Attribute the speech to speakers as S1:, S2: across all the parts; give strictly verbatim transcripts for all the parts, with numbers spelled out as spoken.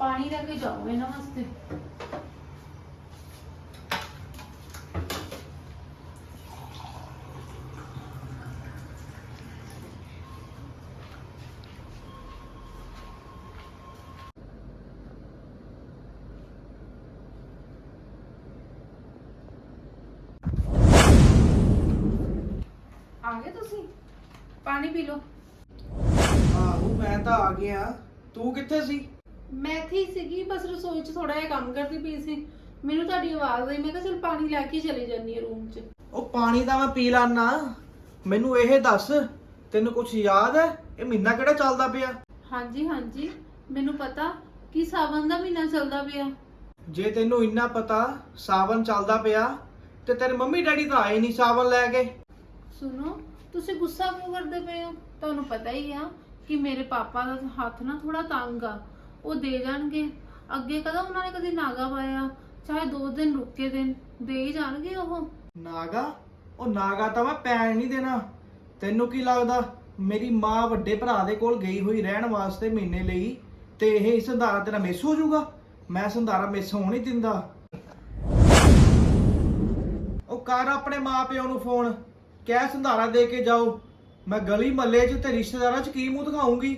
S1: पानी लेके जाओ इन्हां वास्ते। आ गए तुसी? पानी पी लो।
S2: ਆਹੋ ਮੈਂ ਤਾਂ ਆ ਗਿਆ। ਤੂੰ ਕਿੱਥੇ ਸੀ?
S1: मैं थी सीगी बस रसोई च थोड़ा जिहा काम करती पई सी। मैनू तुहाडी आवाज़ आई, मैं कहा चल पानी लैके चली जानी है रूम च।
S2: ਉਹ ਪਾਣੀ ਤਾਂ ਮੈਂ ਪੀ ਲਾਨਾ। ਮੈਨੂੰ ਇਹ ਦੱਸ ਤੈਨੂੰ ਕੁਝ ਯਾਦ ਹੈ? ਇਹ ਮਹੀਨਾ ਕਿਹੜਾ ਚੱਲਦਾ ਪਿਆ?
S1: हाँ जी हाँ जी मैनू पता कि सावन दा महीना चलदा पिया।
S2: ਜੇ ਤੈਨੂੰ ਇੰਨਾ ਪਤਾ ਸਾਵਨ ਚੱਲਦਾ ਪਿਆ ਤੇ ਤੇਰੇ ਮੰਮੀ ਡੈਡੀ ਤਾਂ ਆਏ ਨਹੀਂ ਸਾਵਨ ਲੈ ਕੇ।
S1: सुनो तुसी गुस्सा क्यों करदे पे हो? तुहानू पता ही आ कि मेरे पापा दा हथ ना थोड़ा तंग आ। ਉਹ ਦੇ ਜਾਣਗੇ। ਅੱਗੇ ਕਦਾ ਉਹਨਾਂ ਨੇ ਕਦੀ ਨਾਗਾ ਪਾਇਆ, ਚਾਹੇ ਦੋ ਦਿਨ ਰੁਕ ਕੇ ਦਿਨ ਦੇ ਹੀ ਜਾਣਗੇ ਉਹ।
S2: ਨਾਗਾ? ਉਹ ਨਾਗਾ ਤਾਂ ਮੈਂ ਪੈਣ ਨਹੀਂ ਦੇਣਾ। ਤੈਨੂੰ ਕੀ ਲੱਗਦਾ ਮੇਰੀ ਮਾਂ ਵੱਡੇ ਭਰਾ ਦੇ ਕੋਲ ਗਈ ਹੋਈ ਰਹਿਣ ਵਾਸਤੇ ਮਹੀਨੇ ਲਈ ਤੇ ਇਹ ਸੰਧਾਰਾ ਤੇਰਾ ਮਿਸ ਹੋ ਜਾਊਗਾ? ਮੈਂ ਸੰਧਾਰਾ ਮਿਸ ਹੋਣ ਨਹੀਂ ਦਿੰਦਾ। ਉਹ ਕਰ ਆਪਣੇ ਮਾਪਿਆਂ ਨੂੰ ਫੋਨ, ਕਹਿ ਸੰਧਾਰਾ ਦੇ ਕੇ ਜਾਓ। ਮੈਂ ਗਲੀ ਮੱਲੇ 'ਚ ਤੇ ਰਿਸ਼ਤੇਦਾਰਾਂ 'ਚ ਕੀ ਮੂੰਹ ਦਿਖਾਉਂਗੀ?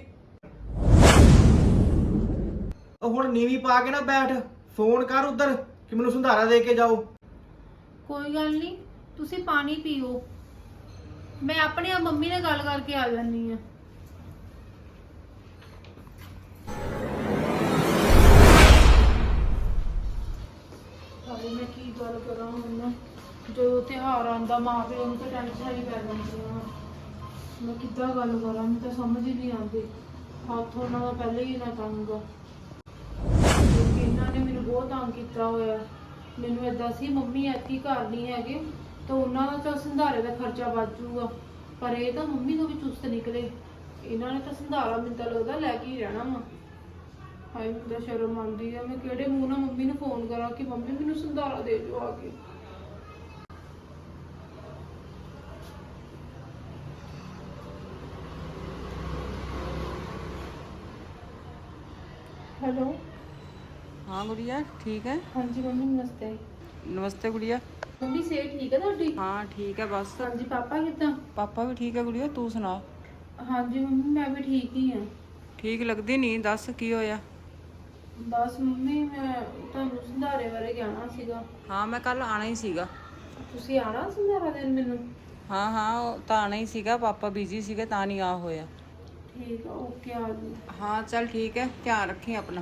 S2: ਉਹ ਹੁਣ ਨੀਵੀਂ ਪਾ ਕੇ ਨਾ ਬੈਠ, ਫੋਨ ਕਰ ਉਧਰ ਕਿ ਮੈਨੂੰ ਸੰਧਾਰਾ ਦੇ ਕੇ ਜਾਓ।
S1: ਕੋਈ ਗੱਲ ਨਹੀਂ, ਤੁਸੀਂ ਪਾਣੀ ਪੀਓ, ਮੈਂ ਆਪਣੇ ਆ ਮੰਮੀ ਨਾਲ ਗੱਲ ਕਰਕੇ ਆ ਜਾਨੀ ਆ। ਹਾਏ ਮੈਂ ਕੀ ਗੱਲ ਕਰਾਂ ਹੁਣ, ਜਦੋਂ ਤਿਉਹਾਰ ਆਉਂਦਾ ਮਾਂ ਪਿਓ ਨੂੰ ਤਾਂ ਟੈਨਸ਼ਨ ਹੀ ਪੈ ਜਾਂਦੀ ਆ। ਮੈਂ ਕਿੱਦਾਂ ਗੱਲ ਕਰਾਂ, ਮੈਨੂੰ ਤਾਂ ਸਮਝ ਹੀ ਨਹੀਂ ਆਉਂਦੀ। ਹੱਥ ਉਹਨਾਂ ਦਾ ਪਹਿਲੇ ਹੀ ਨਾ ਤੰਗ ਆ, ਕਿਉਂਕਿ ਇਹਨਾਂ ਨੇ ਮੈਨੂੰ ਬਹੁਤ ਤੰਗ ਕੀਤਾ ਹੋਇਆ। ਮੈਨੂੰ ਏਦਾਂ ਸੀ ਮੰਮੀ ਐਤਕੀ ਘਰ ਨਹੀਂ ਹੈਗੇ ਤਾਂ ਉਹਨਾਂ ਦਾ ਤਾਂ ਸੰਧਾਰੇ ਦਾ ਖਰਚਾ ਬਚ ਜਾਊਗਾ, ਪਰ ਇਹ ਤਾਂ ਮੰਮੀ ਤੋਂ ਵੀ ਚੁਸਤ ਨਿਕਲੇ। ਇਹਨਾਂ ਨੇ ਤਾਂ ਸੰਧਾਰਾ ਮੈਨੂੰ ਤਾਂ ਲੱਗਦਾ ਲੈ ਕੇ ਹੀ ਰਹਿਣਾ ਵਾ। ਹਾਏ ਮੈਨੂੰ ਤਾਂ ਸ਼ਰਮ ਆਉਂਦੀ ਆ, ਮੈਂ ਕਿਹੜੇ ਮੂੰਹ ਨਾਲ ਮੰਮੀ ਨੂੰ ਫੋਨ ਕਰਾਂ ਕਿ ਮੰਮੀ ਮੈਨੂੰ ਸੰਧਾਰਾ ਦੇ ਦਿਓ ਆ ਕੇ। हेलो
S3: हाँ गुड़िया ठीक है।
S1: हाँ जी मम्मी नमस्ते।
S3: नमस्ते गुड़िया।
S1: मम्मी सेहत ठीक है ਤੁਹਾਡੀ?
S3: हाँ ठीक है बस।
S1: हाँ जी पापा कितना?
S3: पापा भी ठीक है गुड़िया, तू सुना?
S1: हाँ जी मम्मी मैं भी ठीक ही हाँ।
S3: ठीक लगदी नहीं, दस की होया?
S1: बस मम्मी मैं ਤੁਹਾਨੂੰ ਸੰਧਾਰੇ ਬਾਰੇ ਕਹਿਣਾ ਸੀਗਾ।
S3: हाँ मैं कल आना ही सीगा।
S1: ਤੁਸੀਂ ਆਣਾ ਸੰਧਾਰਾ ਦੇਣ ਮੈਨੂੰ?
S3: हाँ हाँ ਉਹ ਤਾਂ ਆਣਾ ਹੀ ਸੀਗਾ, ਪਾਪਾ ਬਿਜ਼ੀ ਸੀਗੇ ਤਾਂ ਨਹੀਂ ਆ ਹੋਇਆ।
S1: ਠੀਕ ਆ ਓਕੇ ਆ ਜੀ।
S3: हाँ चल ठीक है, ध्यान रखी अपना।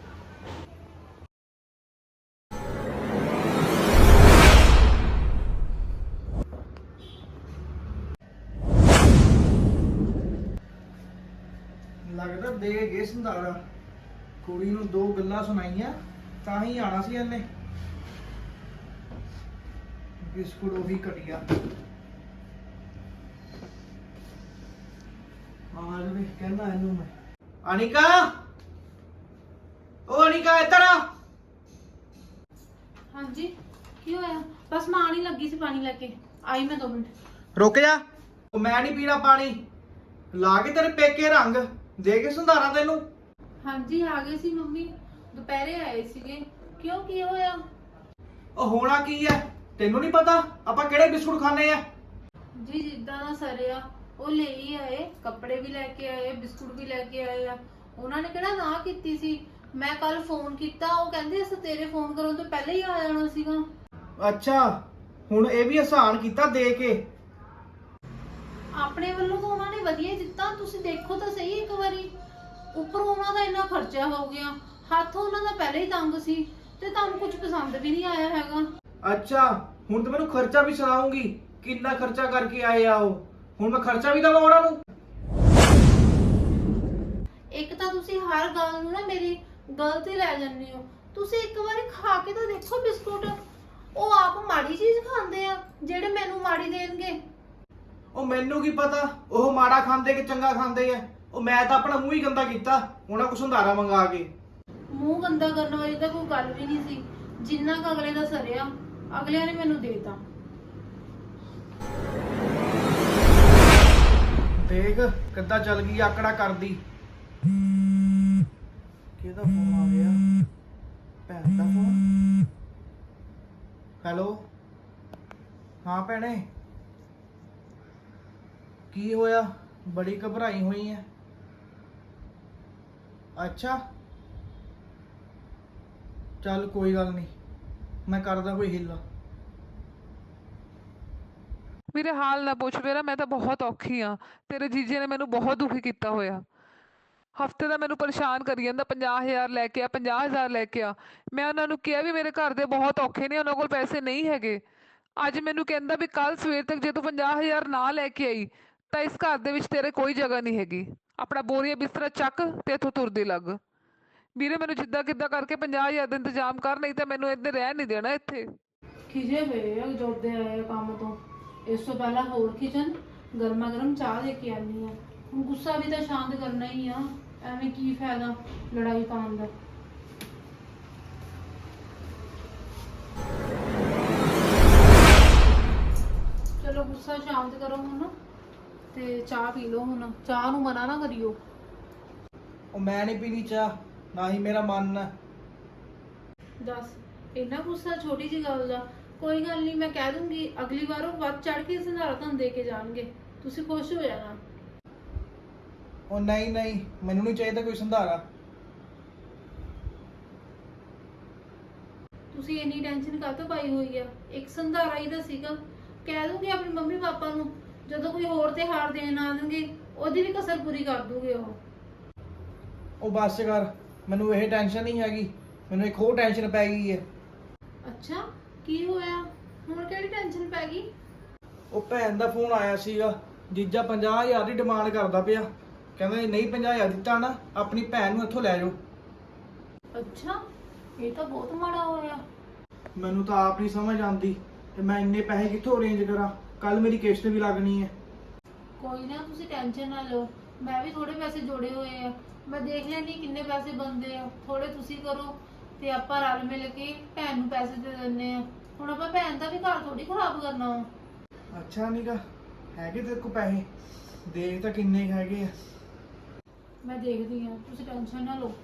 S2: ਲੱਗਦਾ ਦੇ ਗਏ ਸੰਧਾਰਾ। ਕੁੜੀ ਨੂੰ ਦੋ ਗੱਲਾਂ ਸੁਣਾਈਆਂ ਤਾਂ ਹੀ ਆਣਾ ਸੀ ਇਹਨੇ। ਬਿਸਕੁਟ ਉਹ ਵੀ ਘਟਿਆ। ਆ ਜਵੇ ਕਹਿੰਦਾ ਇਹਨੂੰ ਮੈਂ। ਅਨਿਕਾ, ਉਹ ਅਨਿਕਾ ਇੱਧਰ ਆ।
S1: हाँ जी ਕੀ ਹੋਇਆ? ਬਸ ਮੈਂ ਆਣੀ ਲੱਗੀ ਸੀ ਪਾਣੀ ਲੈ ਕੇ, ਆਈ ਮੈਂ ਦੋ ਮਿੰਟ।
S2: ਰੁਕ ਜਾ, ਉਹ ਮੈਂ ਨਹੀਂ ਪੀਣਾ ਪਾਣੀ। ਲਾ ਕੇ ਤੇਰੇ ਪੇਕੇ ਰੰਗ ਦੇ ਕੇ ਸੰਧਾਰਾ ਤੈਨੂੰ।
S1: हाँ जी ਆ ਗਏ ਸੀ ਮੰਮੀ, ਦੁਪਹਿਰੇ ਆਏ ਸੀਗੇ। ਕਿਉਂ ਕੀ ਹੋਇਆ?
S2: ਉਹ ਹੋਣਾ ਕੀ ਹੈ ਤੈਨੂੰ ਨਹੀਂ ਪਤਾ ਆਪਾਂ ਕਿਹੜੇ ਬਿਸਕੁਟ ਖਾਣੇ ਆ?
S1: ਜੀ ਜਿੱਦਾਂ ਦਾ ਸਰਿਆ ਉਹ ਲੈ ਹੀ ਆਏ, ਕੱਪੜੇ ਵੀ ਲੈ ਕੇ ਆਏ, ਬਿਸਕੁਟ ਵੀ ਲੈ ਕੇ ਆਏ ਆ। ਉਹਨਾਂ ਨੇ ਕਿਹੜਾ ਨਾ ਕੀਤੀ ਸੀ। ਮੈਂ ਕੱਲ ਫੋਨ ਕੀਤਾ, ਉਹ ਕਹਿੰਦੇ ਅਸੀਂ ਤੇਰੇ ਫੋਨ ਕਰਨ ਤੋਂ ਪਹਿਲਾਂ ਹੀ ਆ ਜਾਣਾ ਸੀਗਾ।
S2: ਅੱਛਾ ਹੁਣ ਇਹ ਵੀ ਆਸਾਨ ਕੀਤਾ ਦੇ ਕੇ।
S1: ਆਪਣੇ ਵੱਲੋਂ ਤਾਂ ਉਹਨਾਂ ਨੇ ਵਧੀਆ ਹੀ ਦਿੱਤਾ, ਤੁਸੀਂ ਦੇਖੋ ਤਾਂ ਸਹੀ ਇੱਕ ਵਾਰੀ। ਉੱਪਰੋਂ ਉਹਨਾਂ ਦਾ ਇੰਨਾ ਖਰਚਾ ਹੋ ਗਿਆ, ਹੱਥ ਉਹਨਾਂ ਦਾ ਪਹਿਲਾਂ ਹੀ ਤੰਗ ਸੀ ਤੇ ਤੁਹਾਨੂੰ ਕੁਝ ਪਸੰਦ ਵੀ ਨਹੀਂ ਆਇਆ ਹੈਗਾ।
S2: ਅੱਛਾ ਹੁਣ ਤੇ ਮੈਨੂੰ ਖਰਚਾ ਵੀ ਸੁਣਾਉਂਗੀ ਕਿੰਨਾ ਖਰਚਾ ਕਰਕੇ ਆਏ ਆ ਉਹ। ਹੁਣ ਮੈਂ ਖਰਚਾ ਵੀ ਦਵਾਂ ਉਹਨਾਂ ਨੂੰ?
S1: ਇੱਕ ਤਾਂ ਤੁਸੀਂ ਹਰ ਗੱਲ ਨੂੰ ਨਾ ਮੇਰੀ ਗਲਤ ਹੀ ਲੈ ਜਾਂਦੇ ਹੋ। ਤੁਸੀਂ ਇੱਕ ਵਾਰੀ ਖਾ ਕੇ ਤਾਂ ਦੇਖੋ ਬਿਸਕੁਟ, ਉਹ ਆਪ ਮਾੜੀ ਚੀਜ਼ ਖਾਂਦੇ ਆ ਜਿਹੜੇ ਮੈਨੂੰ ਮਾੜੀ ਦੇਣਗੇ।
S2: ਉਹ ਮੈਨੂੰ ਕੀ ਪਤਾ ਉਹ ਮਾੜਾ ਖਾਂਦੇ ਕਿ ਚੰਗਾ ਖਾਂਦੇ ਆ। ਉਹ ਮੈਂ ਤਾਂ ਆਪਣਾ ਮੂੰਹ ਹੀ ਗੰਦਾ ਕੀਤਾ ਉਹਨਾਂ ਕੋਲ ਸੰਧਾਰਾ ਮੰਗਾ ਕੇ।
S1: ਮੂੰਹ ਗੰਦਾ ਕਰਨ ਵਾਲੀ ਤਾਂ ਕੋਈ ਗੱਲ ਵੀ ਨਹੀਂ ਸੀ। ਜਿੰਨਾ ਕੁ ਅਗਲੇ ਦਾ ਸਰਿਆ ਅਗਲਿਆਂ ਨੇ ਮੈਨੂੰ ਦੇਤਾ। ਦੇਖ
S2: ਕਿੱਦਾਂ ਚੱਲ ਗਈ ਆਕੜਾ ਕਰਦੀ। ਕਿਹਦਾ ਫੋਨ ਆ ਗਿਆ? ਭੈਣ ਦਾ ਫੋਨ। ਹੈਲੋ, ਹਾਂ ਭੈਣੇ, ਕੀ ਹੋਇਆ? ਬੜੀ ਘਬਰਾਈ ਹੋਈ ਹੈ। ਅੱਛਾ, ਚੱਲ ਕੋਈ ਗੱਲ ਨਹੀਂ, ਮੈਂ ਕਰਦਾ ਕੋਈ ਹਿੱਲਾ।
S4: ਮੇਰੇ ਹਾਲ ਨਾ ਪੁੱਛ ਮੇਰਾ, ਮੈਂ ਤਾਂ ਬਹੁਤ ਔਖੀ ਆ। ਤੇਰੇ ਜੀਜੇ ਨੇ ਮੈਨੂੰ ਬਹੁਤ ਦੁਖੀ ਕੀਤਾ ਹੋਇਆ। ਹਫਤੇ ਦਾ ਮੈਨੂੰ ਪਰੇਸ਼ਾਨ ਕਰੀ ਜਾਂਦਾ, ਪੰਜਾਹ ਹਜ਼ਾਰ ਲੈ ਕੇ ਆ, ਪੰਜਾਹ ਹਜ਼ਾਰ ਲੈ ਕੇ ਆ। ਮੈਂ ਉਹਨਾਂ ਨੂੰ ਕਿਹਾ ਵੀ ਮੇਰੇ ਘਰ ਦੇ ਬਹੁਤ ਔਖੇ ਨੇ, ਉਹਨਾਂ ਕੋਲ ਪੈਸੇ ਨਹੀਂ ਹੈਗੇ। ਅੱਜ ਮੈਨੂੰ ਕਹਿੰਦਾ ਵੀ ਕੱਲ ਸਵੇਰ ਤੱਕ ਜੇ ਤੂੰ ਪੰਜਾਹ ਹਜ਼ਾਰ ਨਾ ਲੈ ਕੇ ਆਈ ਤਾਂ ਇਸ ਘਰ ਦੇ ਵਿੱਚ ਤੇਰੇ ਕੋਈ ਜਗ੍ਹਾ ਨਹੀਂ ਹੈਗੀ। ਆਪਣਾ ਬੋਰੀਆ ਬਿਸਤਰਾ ਚੱਕ ਤੇ ਇੱਥੋਂ ਤੁਰਦੀ ਲੱਗ। ਵੀਰੇ ਮੈਨੂੰ ਜਿੱਦਾਂ ਕਿੱਦਾਂ ਕਰਕੇ ਪੰਜਾਹ ਹਜ਼ਾਰ ਦਾ ਇੰਤਜ਼ਾਮ ਕਰ, ਨਹੀਂ ਤਾਂ ਮੈਨੂੰ ਇੱਥੇ ਰਹਿਣ ਨਹੀਂ ਦੇਣਾ ਇੱਥੇ।
S1: ਖਿਜੇ ਪਏ ਆ ਜੋਦੇ ਆਏ ਕੰਮ ਤੋਂ। ਇਸ ਤੋਂ ਪਹਿਲਾਂ ਹੋਰ ਖਿਜਣ, ਗਰਮਾ ਗਰਮ ਚਾਹ ਦੇ ਕੇ ਆਨੀ ਆ। ਹੁਣ ਗੁੱਸਾ ਵੀ ਤਾਂ ਸ਼ਾਂਤ ਕਰਨਾ ਹੀ ਆ, ਐਵੇਂ ਕੀ ਫਾਇਦਾ ਲੜਾਈ ਪਾਉਣ ਦਾ। ਚਲੋ ਗੁੱਸਾ ਸ਼ਾਂਤ ਕਰੋ ਹੁਣ ਤੇ ਚਾਹ ਪੀ ਲਓ। ਹੁਣ ਚਾਹ ਨੂੰ ਮਨਾ ਨਾ ਕਰਿਓ।
S2: ਉਹ ਮੈਂ ਨਹੀਂ ਪੀਣੀ ਚਾਹ, ਨਾ ਹੀ ਮੇਰਾ ਮਨ ਹੈ।
S1: ਦੱਸ, ਇੰਨਾ ਗੁੱਸਾ ਛੋਟੀ ਜਿਹੀ ਗੱਲ ਦਾ? ਕੋਈ ਗੱਲ ਨਹੀਂ, ਮੈਂ ਕਹਿ ਦੂੰਗੀ ਅਗਲੀ ਵਾਰ ਉਹ ਵੱਧ ਚੜ ਕੇ ਸੰਧਾਰਾ ਤੁਹਾਨੂੰ ਦੇ ਕੇ ਜਾਣਗੇ, ਤੁਸੀਂ ਖੁਸ਼ ਹੋ ਜਾਣਾ।
S2: ਉਹ ਨਹੀਂ ਨਹੀਂ, ਮੈਨੂੰ ਨਹੀਂ ਚਾਹੀਦਾ ਕੋਈ ਸੰਧਾਰਾ।
S1: ਤੁਸੀਂ ਇੰਨੀ ਟੈਨਸ਼ਨ ਕਾਹਤੋਂ ਪਾਈ ਹੋਈ ਆ? ਇੱਕ ਸੰਧਾਰਾ ਹੀ ਤਾਂ ਸੀਗਾ। ਕਹਿ ਦੂੰਗੀ ਆਪਣੀ ਮੰਮੀ ਪਾਪਾ ਨੂੰ, ਜਦੋਂ ਕੋਈ ਹੋਰ ਤਿਉਹਾਰ ਦੇਣ ਆਣਗੇ ਉਹਦੀ ਵੀ ਕਸਰ ਪੂਰੀ ਕਰ ਦੂਗੇ ਉਹ।
S2: ਉਹ ਬਸ ਕਰ, ਮੈਨੂੰ ਇਹ ਟੈਨਸ਼ਨ ਨਹੀਂ ਹੈਗੀ, ਮੈਨੂੰ ਇੱਕ ਹੋਰ ਟੈਨਸ਼ਨ ਪੈ ਗਈ ਹੈ।
S1: ਅੱਛਾ, ਕੀ ਹੋਇਆ? ਹੁਣ ਕਿਹੜੀ ਟੈਨਸ਼ਨ ਪੈ ਗਈ?
S2: ਉਹ ਭੈਣ ਦਾ ਫੋਨ ਆਇਆ ਸੀਗਾ, ਜੀਜਾ ਪੰਜਾਹ ਹਜ਼ਾਰ ਦੀ ਡਿਮਾਂਡ ਕਰਦਾ ਪਿਆ। ਕਹਿੰਦਾ ਜੇ ਨਹੀਂ ਪੰਜਾਹ ਹਜ਼ਾਰ ਦਿੱਤਾ ਨਾ, ਆਪਣੀ ਭੈਣ ਨੂੰ ਇੱਥੋਂ ਲੈ ਜਾਓ।
S1: ਅੱਛਾ, ਇਹ ਤਾਂ ਬਹੁਤ ਮਾੜਾ ਹੋਇਆ।
S2: ਮੈਨੂੰ ਤਾਂ ਆਪ ਨਹੀਂ ਸਮਝ ਆਉਂਦੀ ਤੇ ਮੈਂ ਇੰਨੇ ਪੈਸੇ ਕਿੱਥੋਂ ਅਰੇਂਜ ਕਰਾਂ। ਕੱਲ ਮੇਰੀ ਕਿਸ਼ਤ ਵੀ ਲੱਗਣੀ ਹੈ।
S1: ਕੋਈ ਨਾ, ਤੁਸੀਂ ਟੈਨਸ਼ਨ ਨਾ ਲਓ, ਮੈਂ ਵੀ ਥੋੜੇ ਪੈਸੇ ਜੋੜੇ ਹੋਏ ਆ। ਮੈਂ ਦੇਖ ਲੈਣੀ ਕਿੰਨੇ ਪੈਸੇ ਬਣਦੇ ਆ। ਥੋੜੇ ਤੁਸੀਂ ਕਰੋ ਤੇ ਆਪਾਂ ਰਲ ਮਿਲ ਕੇ ਭੈਣ ਨੂੰ ਪੈਸੇ ਦੇ ਦਿੰਨੇ ਆ। ਹੁਣ ਆਪਾਂ ਭੈਣ ਦਾ ਵੀ ਘਰ ਥੋੜੀ ਖਰਾਬ ਕਰਨਾ ਵਾ।
S2: ਅੱਛਾ ਨੀਗਾ, ਹੈਗੇ ਤੇਰੇ ਕੋਲ ਪੈਸੇ? ਦੇਖ ਤਾਂ ਕਿੰਨੇ ਕੁ ਹੈਗੇ ਆ।
S1: ਮੈਂ ਦੇਖਦੀ ਆ, ਤੁਸੀਂ ਟੈਨਸ਼ਨ ਨਾ ਲਓ।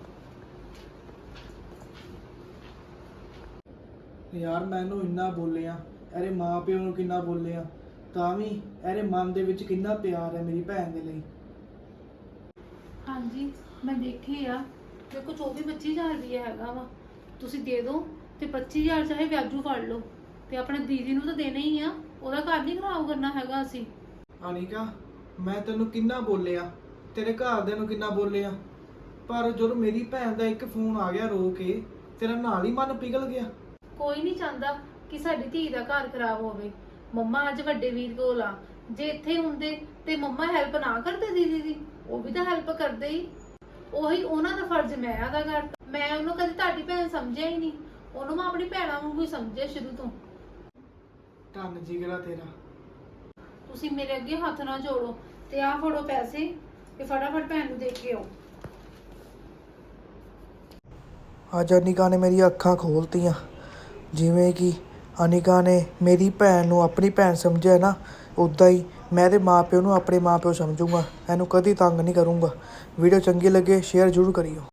S2: ਯਾਰ ਮੈਨੂੰ ਇੰਨਾ ਬੋਲਿਆ, ਇਹਦੇ ਮਾਂ ਪਿਓ ਨੂੰ ਕਿੰਨਾ ਬੋਲਿਆ, ਤਾਂ ਵੀ ਇਹਦੇ ਮਨ ਦੇ ਵਿੱਚ ਕਿੰਨਾ ਪਿਆਰ ਹੈ ਮੇਰੀ ਭੈਣ ਦੇ ਲਈ।
S1: ਹਾਂਜੀ, ਮੈਂ ਦੇਖੀ ਆ। ਮੇਰੇ ਕੋਲ ਚੌਵੀ ਪੱਚੀ ਹਜ਼ਾਰ ਰੁਪਇਆ ਹੈਗਾ ਵਾ। ਤੁਸੀਂ ਦੇ ਦਿਓ ਤੇ ਪੱਚੀ ਹਜ਼ਾਰ ਚਾਹੇ ਵਿਆਜੂ ਫੜ ਲਓ ਤੇ ਆਪਣੇ ਦੀਦੀ ਨੂੰ ਤਾਂ ਦੇਣਾ ਹੀ ਆ। ਉਹਦਾ ਘਰ ਨਹੀਂ ਖਰਾਬ ਕਰਨਾ ਹੈਗਾ ਅਸੀਂ।
S2: ਅਨਿਕਾ, ਮੈਂ ਤੈਨੂੰ ਕਿੰਨਾ ਬੋਲਿਆ, ਤੇਰੇ ਘਰਦਿਆਂ ਨੂੰ ਕਿੰਨਾ ਬੋਲਿਆ, ਪਰ ਜਦੋਂ ਮੇਰੀ ਭੈਣ ਦਾ ਇੱਕ ਫੋਨ ਆ ਗਿਆ ਰੋ ਕੇ, ਤੇਰਾ ਨਾਲ ਹੀ ਮਨ ਪਿਘਲ ਗਿਆ।
S1: ਕੋਈ ਨਹੀਂ ਚਾਹੁੰਦਾ ਕਿ ਸਾਡੀ ਧੀ ਦਾ ਘਰ ਖਰਾਬ ਹੋਵੇ। ਮੰਮਾ ਅੱਜ ਵੱਡੇ ਵੀਰ ਕੋਲ ਆ, ਜੇ ਇੱਥੇ ਹੁੰਦੇ ਤੇ ਮੰਮਾ ਹੈਲਪ ਨਾ ਕਰਦੇ ਦੀਦੀ ਦੀ? ਉਹ ਵੀ ਤਾਂ ਹੈਲਪ ਕਰਦੇ ਹੀ। ਉਹੀ ਉਹਨਾਂ ਦਾ ਫਰਜ਼ ਮੈਂ ਅਦਾ ਕਰਤਾ। ਮੈਂ ਉਹਨੂੰ ਕਦੇ ਤੁਹਾਡੀ ਭੈਣ ਸਮਝਿਆ ਹੀ ਨਹੀਂ, ਉਹਨੂੰ ਮੈਂ ਆਪਣੀ ਭੈਣਾਂ ਵਾਂਗੂ ਹੀ ਸਮਝਿਆ ਸ਼ੁਰੂ ਤੋਂ।
S2: ਧੰਨ ਜਿਗਰਾ ਤੇਰਾ।
S1: ਤੁਸੀਂ ਮੇਰੇ ਅੱਗੇ ਹੱਥ ਨਾ ਜੋੜੋ ਤੇ ਆਹ ਫੜੋ ਪੈਸੇ ਤੇ ਫਟਾਫਟ ਭੈਣ ਨੂੰ ਦੇ ਕੇ ਆਓ।
S2: ਅੱਜ ਅਨਿਕਾ ਨੇ ਮੇਰੀਆਂ ਅੱਖਾਂ ਖੋਲਤੀਆਂ। ਜਿਵੇਂ ਕਿ ਅਨਿਕਾ ਨੇ ਮੇਰੀ ਭੈਣ ਨੂੰ ਆਪਣੀ ਭੈਣ ਸਮਝਿਆ ਨਾ, ਉੱਦਾਂ ਹੀ ਮੈਂ ਇਹਦੇ ਮਾਂ ਪਿਓ ਨੂੰ ਆਪਣੇ ਮਾਂ ਪਿਓ ਸਮਝੂੰਗਾ। ਇਹਨੂੰ ਕਦੀ ਤੰਗ ਨਹੀਂ ਕਰੂੰਗਾ। ਵੀਡੀਓ ਚੰਗੀ ਲੱਗੇ ਸ਼ੇਅਰ ਜ਼ਰੂਰ ਕਰਿਓ।